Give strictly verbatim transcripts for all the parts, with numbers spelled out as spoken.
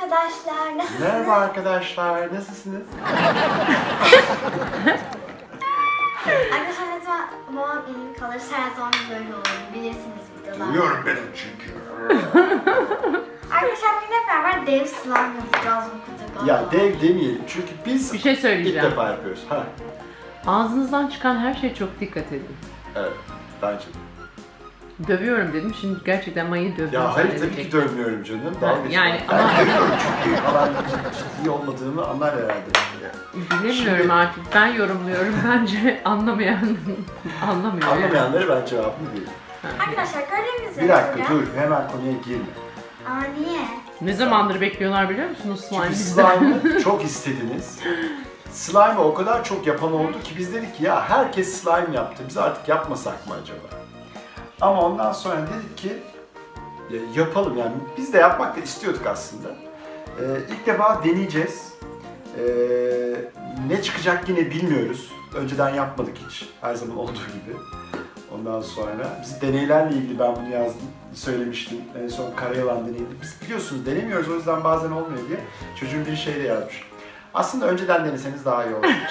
arkadaşlar, nasılsınız? Merhaba arkadaşlar, nasılsınız? Arkadaşlar ne zaman babam iyi kalırsa her zaman böyle olur, bilirsiniz videolar. Biliyorum ben onu çünkü. Arkadaşlar bugün hep beraber dev slime yapacağız bu kutuda. Ya dev demeyelim çünkü biz Bir şey ilk söyleyeceğim. defa yapıyoruz. Ha. Ağzınızdan çıkan her şeye çok dikkat edin. Evet, bence. Dövüyorum dedim, şimdi gerçekten Maya'yı dövdüm. Ya hayır tabii ki dövmüyorum canım. Dalga geçme. yani ben ama- dövüyorum çünkü falan ciddi olmadığımı anlar herhalde. Bilemiyorum Şimdi- artık, ben yorumluyorum. Bence anlamayan anlamıyor. yani. Anlamayanlara ben cevabını veririm. Arkadaşlar gördüğünüz üzere Bir dakika burada- dur, hemen konuya girme. Aa niye? Ne zamandır bekliyorlar biliyor musunuz slime Çünkü bizden? slime'ı çok istediniz. Slime'ı o kadar çok yapan oldu ki biz dedik ki ya herkes slime yaptı, biz artık yapmasak mı acaba? Ama ondan sonra dedik ki ya yapalım, yani biz de yapmak da istiyorduk aslında. Ee, ilk defa deneyeceğiz. Ee, ne çıkacak yine bilmiyoruz. Önceden yapmadık hiç, her zaman olduğu gibi. Ondan sonra biz deneylerle ilgili ben bunu yazdım, söylemiştim. En son Karayalan deneydi. Biz biliyorsunuz denemiyoruz, o yüzden bazen olmuyor diye. Çocuğun bir şey de yazmış. Aslında önceden deneseniz daha iyi olurmuş.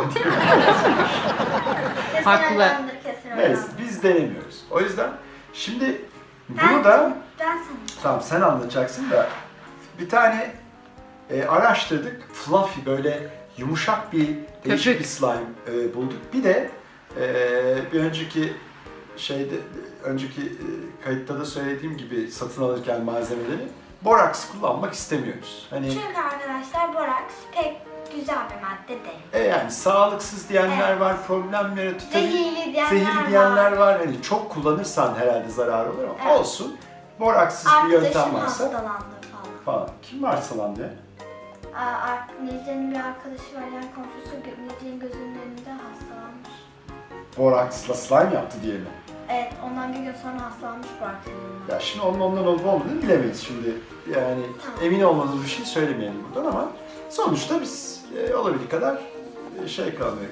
Kesin Haklı. öğrendir, kesin Neyse, öğrendir. biz denemiyoruz. O yüzden şimdi Ben- bunu da, Ben sana. tamam sen anlatacaksın da, bir tane e, araştırdık. Fluffy, böyle yumuşak bir değişik Köpük. bir slime e, bulduk. Bir de e, bir önceki şeyde, önceki e, kayıtta da söylediğim gibi satın alırken malzemeleri boraks kullanmak istemiyoruz. Hani Çünkü arkadaşlar boraks pek güzel bir madde değil. e, yani sağlıksız diyenler Evet. var, problem yaratıyor. Tabii Zehirli diyenler Zehirli diyenler var. var. Hani çok kullanırsan herhalde zararı olur ama Evet. olsun. Boraksız bir yöntem Arkadaşım varsa hastalandı falan. falan. Kim var hastalandı? Aa, Necde'nin bir arkadaşı var, yani komşusu Necde'nin gözünün önünde hastalanmış. Boraksla slime yaptı diye mi? Evet, ondan bir gün sonra hastalanmış bu arkadaşım. Ya şimdi onun ondan olup olmadığını bilemeyiz şimdi. Yani Tamam. emin olmadığımız bir şey söylemeyelim buradan ama sonuçta biz e, olabildiği kadar e, şey kalmıyor.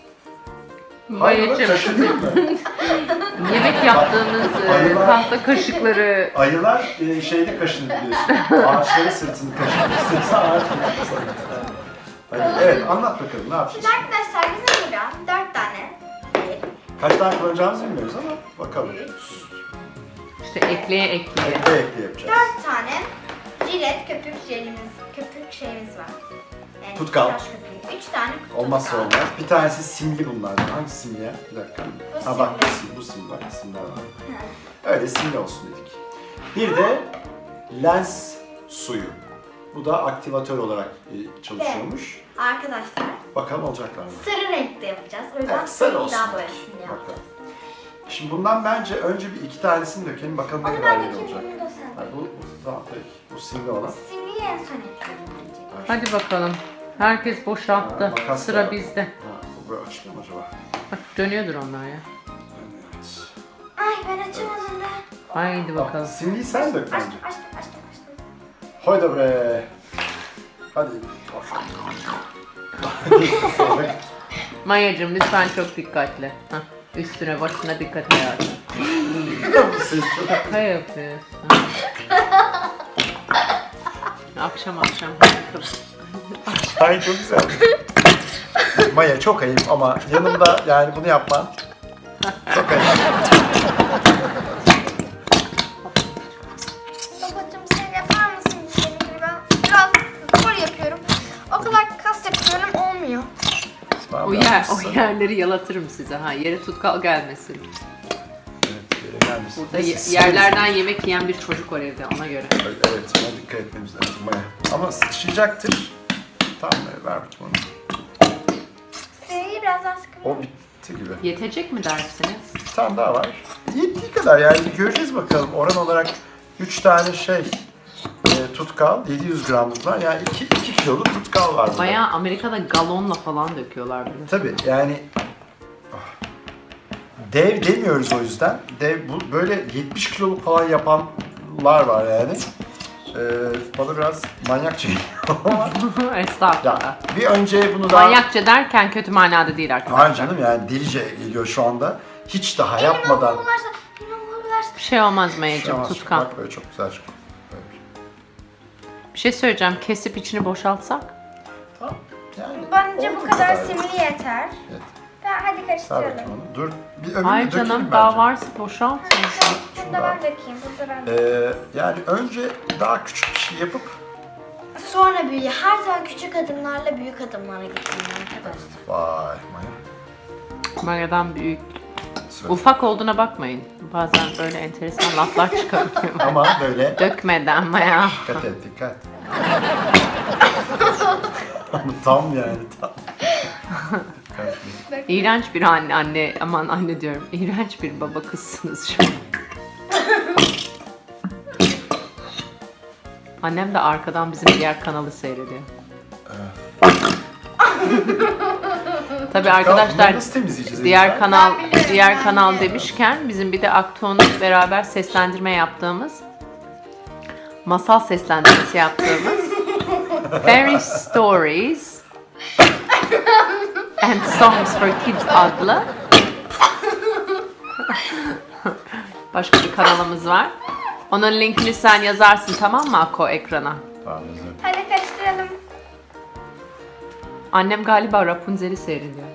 Maya'cığım, Kaşındın mı? yemek yaptığımız e, Ayılar- tahta kaşıkları Ayılar e, şeyde kaşınır biliyorsun. Ağaçların sırtını kaşınır. Sırtı ağaç kaşınır. Hadi evet, anlat bakalım ne yapacağız? Şimdi arkadaşlar bizim burada dört tane değil, Kaç tane kullanacağımızı bilmiyoruz ama bakalım. işte ekleye ekleye. Ekle ekle yapacağız. dört tane jilet köpük jelimiz, köpük şeyimiz var. Yani Tutkal. tıraş köpüğü. Üç tane tutkal. Olmazsa olmaz. Bir tanesi simli bunlardan. Hangi simli ya? Bir dakika. Bu Ha bak bu simli. simli, bu simli bak simler var. Hı. Öyle simli olsun dedik. Bir de lens suyu. Bu da aktivatör olarak e, çalışıyormuş. Arkadaşlar Bakalım olacaklar mı? sarı renkte yapacağız. O yüzden Evet, sarı sarı olsun. daha boyasını yaptık. Bakalım. Şimdi bundan bence önce bir iki tanesini dökelim. Bakalım ne Onu kadar ben iyi dökeyim, olacak. bunu da Ha, sen. bu, bu, tamam peki. Bu simli olan. Simliyi en son ekleyelim bence. Hadi bakalım. Herkes Ha, boşalttı. makas Sıra da- bizde. Ha, bu böyle açılıyor mu acaba? Bak dönüyordur onlar ya. Evet. Ay ben açamadım da. Haydi Bak, bakalım. simliyi sen dök bence. Açtım açtım açtım açtım. Haydi bre. Hadi. Maya'cığım lütfen çok dikkatli. Hah, üstüne başına dikkat hayatım. Bu ses çok... Şaka yapıyorsun. Akşam akşam. Ay çok güzel. Maya çok ayıp ama yanımda yani bunu yapman çok ayıp. Babacım sen yapar mısın benim gibi? Ben biraz spor yapıyorum. O kadar kas yapıyorum olmuyor. O yer, o yerleri yalatırım size ha. Yere tutkal gelmesin. Evet, yere gelmesin. Burada ye- Siz- yerlerden yemek yiyen bir çocuk var evde ona göre. Evet, ona dikkat etmemiz lazım Maya. Ama sıçrayacaktır. Tamam Maya, ver bakayım onu. Seriyi biraz daha sıkıyorum. O bitti gibi. Yetecek mi dersiniz? Bir tane daha var. Yettiği kadar yani göreceğiz bakalım. Oran olarak üç tane şey e, tutkal, yedi yüz gramlık var. Yani iki, iki kiloluk tutkal var burada. Bayağı Amerika'da galonla falan döküyorlar bunu. Tabii yani ah, dev demiyoruz o yüzden. Dev bu böyle yetmiş kiloluk falan yapanlar var yani. Ee, bana biraz manyakça geliyor ama Estağfurullah. ya bir önce bunu daha Manyakça derken kötü manada değil arkadaşlar. Hayır canım yani delice geliyor şu anda. Hiç daha yapmadan. Elim bularsa, elim bularsa. Bir şey olmaz Şu Maya'cığım, an tutkal. Bak böyle çok güzel çıkıyor. Böyle. Bir şey söyleyeceğim. Kesip içini boşaltsak. Tamam. Yani Bence oldu bu kadar yani. simli yeter. Evet. Ben, hadi Ver karıştıralım. bakayım onu. Dur. Bir öbürünü Hayır dökelim canım bence. daha varsa boşalt. Burada ben dökeyim. Burada ben dökeyim. Ee, yani önce daha küçük bir şey yapıp Sonra büyüyor. Her zaman küçük adımlarla büyük adımlara gittim arkadaşlar. vay Maya. Maya'dan büyük. Söyle. Ufak olduğuna bakmayın. Bazen böyle enteresan laflar çıkabiliyor. Ama böyle Dökmeden Maya. dikkat et dikkat. Tam yani tam. Dikkat et. İğrenç bir anne, anne aman anne diyorum. İğrenç bir baba kızsınız şu an. Annem de arkadan bizim diğer kanalı seyrediyor. Tabii arkadaşlar Bunları nasıl temizleyeceğiz? diğer elimizden? kanal Ben biliyorum, diğer ben kanal biliyorum. demişken bizim bir de Aktuğ'un beraber seslendirme yaptığımız masal seslendirmesi yaptığımız Fairy Stories and Songs for Kids adlı başka bir kanalımız var. Onun linkini sen yazarsın tamam mı Ako ekrana? Tamam özür. Hadi karıştıralım. Annem galiba Rapunzel'i seyrediyor.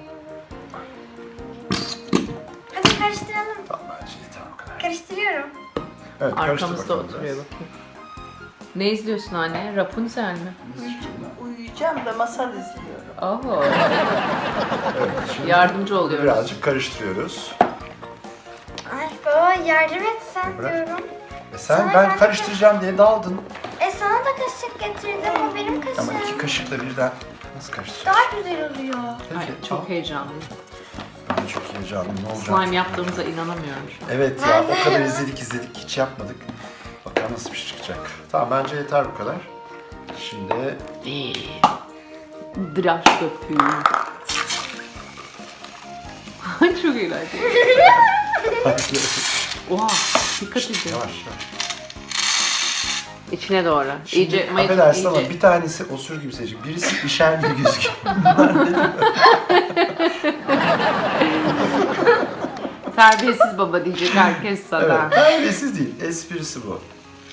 Hadi karıştıralım. Tamam bence yeter o kadar. Karıştırıyorum. Evet karıştır Arkamızda bakalım oturuyor biraz. bakayım. Ne izliyorsun anne? Rapunzel mi? Uyuyacağım da masal izliyorum. Oo. Evet, şimdi Yardımcı oluyoruz. birazcık karıştırıyoruz. Ay baba yardım et sen Bırak. diyorum. E sen Sana ben ben- karıştıracağım diye daldın. E sana da kaşık getirdim. O benim kaşığım. Ama iki kaşıkla birden nasıl karıştıracağız? Daha güzel oluyor. Ay, Peki, çok al. heyecanlıyım. Ben çok heyecanlıyım. Ne olacak? Slime yaptığımıza inanamıyorum şu an. Evet ya o kadar izledik izledik hiç yapmadık. Bakalım nasıl bir şey çıkacak. Tamam bence yeter bu kadar. Şimdi Dıraş köpüğü. Çok eğlenceli. Oha, dikkat edin. yavaş yavaş. İçine doğru. Şimdi iyice, mayacık, affedersin ama iyice. bir tanesi osur gibi seçecek. Birisi işer gibi gözüküyor. Terbiyesiz baba diyecek herkes sana. Evet, terbiyesiz değil. Esprisi bu.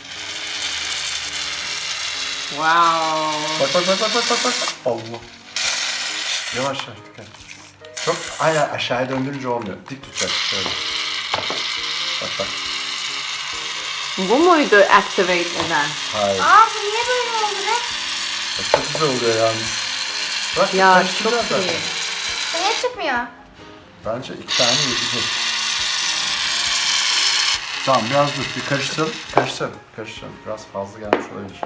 Wow. Bak bak bak bak bak bak bak. Allah. Yavaş yavaş dikkat. Çok aynen aşağıya döndürünce olmuyor. Dik tutacak şöyle. Bak bak. Bu muydu activate eden? Hayır. Aa bu niye böyle oldu be? Bak, çok güzel oluyor yalnız. Bak Ya karıştıracağız çok zaten. iyi. Bu niye çıkmıyor? Bence iki tane yetecek. Tamam biraz dur bir karıştıralım. Karıştıralım. Karıştıralım. Biraz fazla gelmiş olabilir.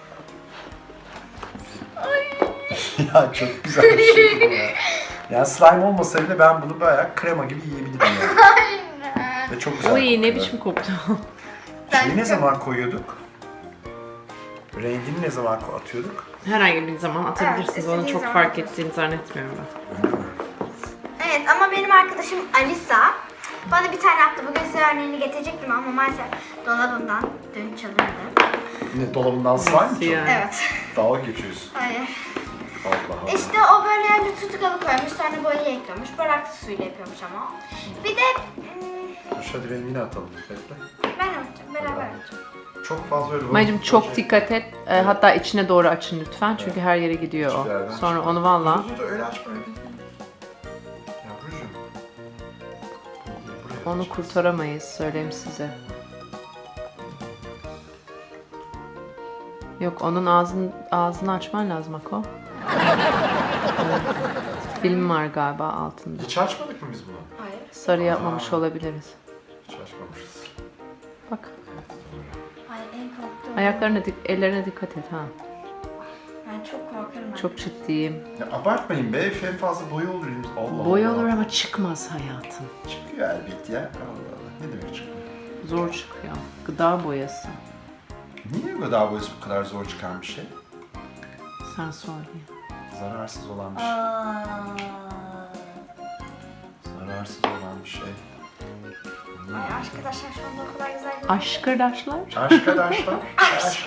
Ya çok güzel bir şey bu ya. Yani slime olmasa bile ben bunu bayağı krema gibi yiyebilirim yani. Aynen. Ve çok güzel. Uy ne kokuyor. biçim koktu. Şeyi ne zaman koyuyorduk? Rengini ne zaman ko- atıyorduk? Herhangi bir zaman atabilirsiniz. Evet, Onu istediğin çok zaman fark atabilirsin. ettiğini zannetmiyorum ben. Öyle mi? Evet ama benim arkadaşım Alisa bana bir tane attı. Bugün size örneğini getirecektim ama maalesef dolabımdan dün çalındı. Ne dolabından slime mı? Yani. Evet. Dalga geçiyorsun. Hayır. Allah Allah. İşte o böyle önce tutkalı koymuş, sonra boyayı ekliyormuş. Baraktı suyla yapıyormuş ama. Bir de hmm, Dur hadi rengini atalım. Bekle. ben atacağım, beraber atacağım. Çok fazla öyle. Mayacım çok Şey- dikkat et. Ee, hatta içine doğru açın lütfen. Çünkü her yere gidiyor Hiçbir yerden o. Sonra çıkmaz. onu valla. Dur, dur, dur, öyle açma öyle değil. Yavrucuğum. Buraya Onu açacağız. kurtaramayız söyleyeyim size. Yok onun ağzını, ağzını açman lazım Ako. Evet. Film var galiba altında. Hiç açmadık mı biz bunu? Hayır. Sarı yapmamış Aa. olabiliriz. Hiç açmamışız. Bak. Hayır en korktuğum. Ayaklarına, dik ellerine dikkat et ha. Ben çok korkarım. Çok ciddiyim. Ya abartmayın be. En fazla boya olur elimiz. Allah Boy Allah. olur ama çıkmaz hayatım. Çıkıyor elbet ya. Allah Allah. Ne demek çıkıyor? Zor çıkıyor. Gıda boyası. Niye gıda boyası bu kadar zor çıkan bir şey? Sen sor diye. Zararsız olan bir şey. Aa. Zararsız olan bir şey. Ay arkadaşlar şu anda o kadar güzel görünüyor. Aşkırdaşlar. Arkadaşlar. Aşk.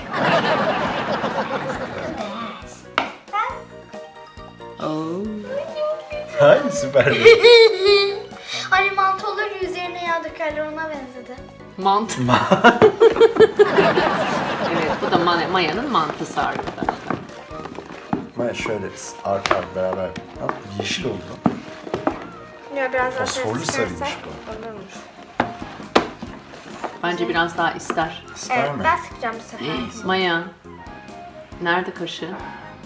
Oo. Hay süper. Hani mantoları üzerine yağ dökerler ona benzedi. Mantı. Evet, bu da ma- Maya'nın mantısı arkadaşlar. Maya şöyle arka arka beraber. Ha, yeşil oldu lan. Ya biraz daha Fosforlu ses sarıymış çıkarsak. bu. Olurmuş. Bence biraz daha ister. İster Evet, mi? ben sıkacağım bu sefer. Maya, nerede kaşığın?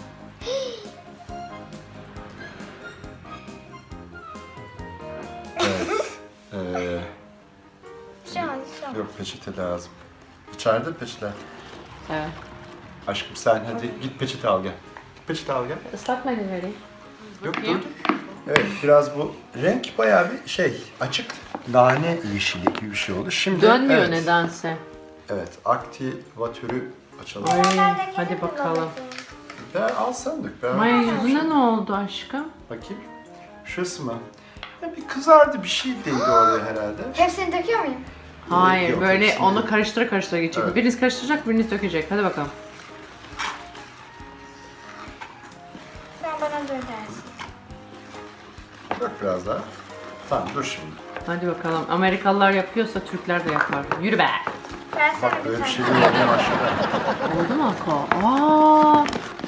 Evet. Ee, Şu an, şu an. yok peçete lazım. İçeride peçete. Evet. Aşkım sen hadi git peçete al gel. Git peçete al gel. Islak mendil vereyim. Yok dur dur. Evet biraz bu renk bayağı bir şey açık nane yeşili gibi bir şey oldu. Şimdi Dönmüyor evet, nedense. Evet aktivatörü açalım. Ay, Ben de hadi kendim bakalım. kullanacağım. Ben al sen dök. Ben Maya yüzüne ne oldu aşkım? bakayım. Şurası mı? Ya bir kızardı bir şey değdi oraya herhalde. Hepsini döküyor muyum? Hayır, Yok, böyle hepsini onu değil. karıştıra karıştıra geçecek. Evet. Biriniz karıştıracak, biriniz dökecek. Hadi bakalım. Sen bana dökersin. Dök biraz daha. Tamam dur şimdi. Hadi bakalım. Amerikalılar yapıyorsa Türkler de yapar. Yürü be. Versene Bak bir böyle bir tane. şey değil olmaya başladı. Oldu mu Ako? Aa!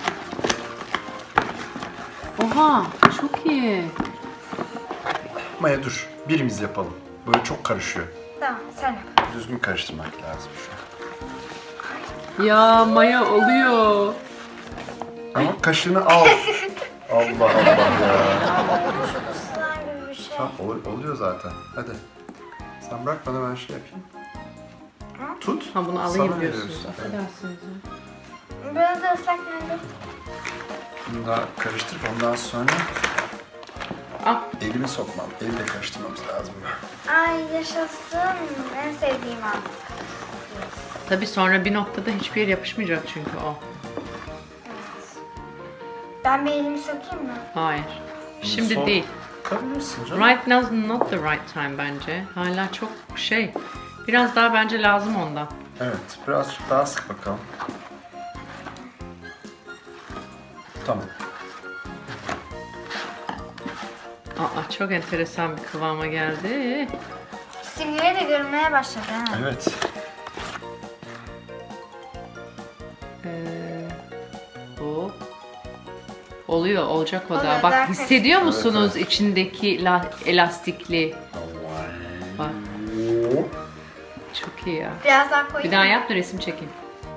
Oha, çok iyi. Maya dur. Birimiz yapalım. Böyle çok karışıyor. Tamam, sen yap. Düzgün karıştırmak lazım şu an. Ya Maya oluyor. Ama kaşığını al. Allah Allah ya. Slime gibi bir şey. Tamam ol- oluyor zaten. Hadi. Sen bırak bana ben şey yapayım. Tut. Ha bunu alayım Sana diyorsunuz. veriyoruz. Evet. Affedersiniz ya. Biraz da ıslak mendil. Bunu da karıştırıp ondan sonra Al. elimi sokmam. Eli de karıştırmamız lazım. Ay yaşasın. En sevdiğim an. Tabii sonra bir noktada hiçbir yer yapışmayacak çünkü o. Ben bir elimi sokayım mı? Hayır. Şimdi Sok. değil. Kabilirsin canım. Right now is not the right time bence. Hala çok şey. Biraz daha bence lazım ondan. Evet. Birazcık daha sık bakalım. Tamam. Aa çok enteresan bir kıvama geldi. Simgeyi de görünmeye başladı ha. Evet. Ee, bu oluyor, olacak o da. Oluyor, Bak daha hissediyor karışık. musunuz Evet, içindeki la- elastikliği? Bak çok iyi ya. Biraz daha koyayım Bir daha mı? yap da resim çekeyim.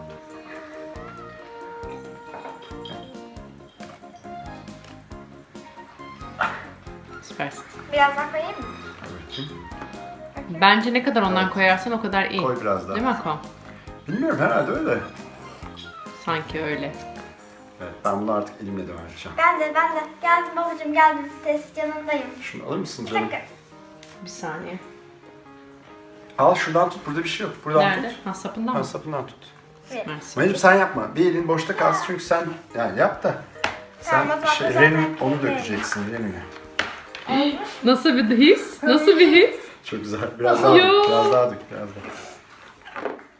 Süpersin. Biraz daha koyayım mı? Evet. Bence ne kadar ondan koyarsan o kadar iyi. Koy biraz daha. Değil mi Ako? Bilmiyorum herhalde öyle. Sanki öyle. Evet. Ben bunu artık elimle devam edeceğim. Ben de ben de. Geldim babacığım geldim. Test yanındayım. Şunu alır mısın Bir canım? dakika. Bir saniye. Al şuradan tut. Burada bir şey yok. Buradan Nerede? tut. Ha sapından Ha, mı? sapından tut. Bir. Mersi. Mayacım sen yapma. Bir elin boşta kalsın çünkü sen yani yap da. Tamam, o Sen zaman şey, zaten Renü onu koyayım. dökeceksin Renü'ye. Nasıl bir his? Nasıl bir his? Çok güzel. Biraz daha Yo. dök. Biraz daha dök. Biraz daha.